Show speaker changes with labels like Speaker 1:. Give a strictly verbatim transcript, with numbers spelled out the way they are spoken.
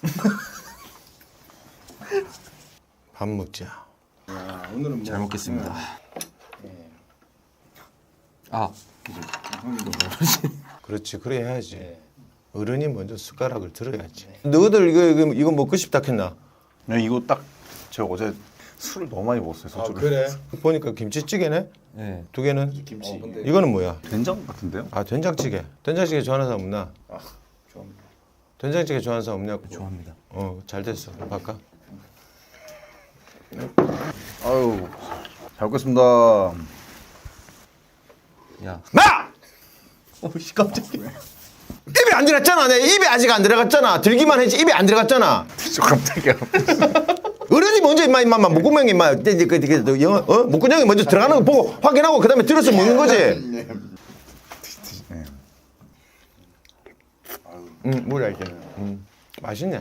Speaker 1: 밥 먹자.
Speaker 2: 야, 오늘은 뭐
Speaker 3: 잘 먹겠습니다.
Speaker 2: 네.
Speaker 3: 아,
Speaker 2: 형님도 먹어야지.
Speaker 1: 그렇지, 그래 해야지.
Speaker 2: 네.
Speaker 1: 어른이 먼저 숟가락을 들어야지. 너희들 이거 이거, 이거 먹고 싶다 했나?
Speaker 4: 네, 이거 딱 제가 어제 술을 너무 많이 먹었어요. 소주를.
Speaker 1: 보니까 김치찌개네.
Speaker 3: 네.
Speaker 1: 두 개는.
Speaker 2: 김치. 어, 근데
Speaker 1: 이거는 뭐야?
Speaker 4: 된장 같은데요?
Speaker 1: 아 된장찌개. 된장찌개 좋아하는 사람 없나?
Speaker 2: 아, 좋아합니다.
Speaker 1: 된장찌개 좋아하는 사람 없냐고.
Speaker 3: 좋아합니다.
Speaker 1: 어, 잘 됐어. 바꿔.
Speaker 4: 아유, 잘 먹겠습니다.
Speaker 3: 야,
Speaker 1: 마!
Speaker 3: 어씨 깜짝이야.
Speaker 1: 입에 안 들어갔잖아. 내 입에 아직 안 들어갔잖아. 들기만 했지 입에 안 들어갔잖아.
Speaker 4: 저 깜짝이야.
Speaker 1: 어른이 먼저 임마 임마 목구멍에 임마 그, 그, 그, 그, 영어 어 목구멍에 먼저 들어가는 거 보고 확인하고 그다음에 들어서 먹는 거지.
Speaker 4: 네.
Speaker 1: 응, 뭐라 이게. 음, 맛있네.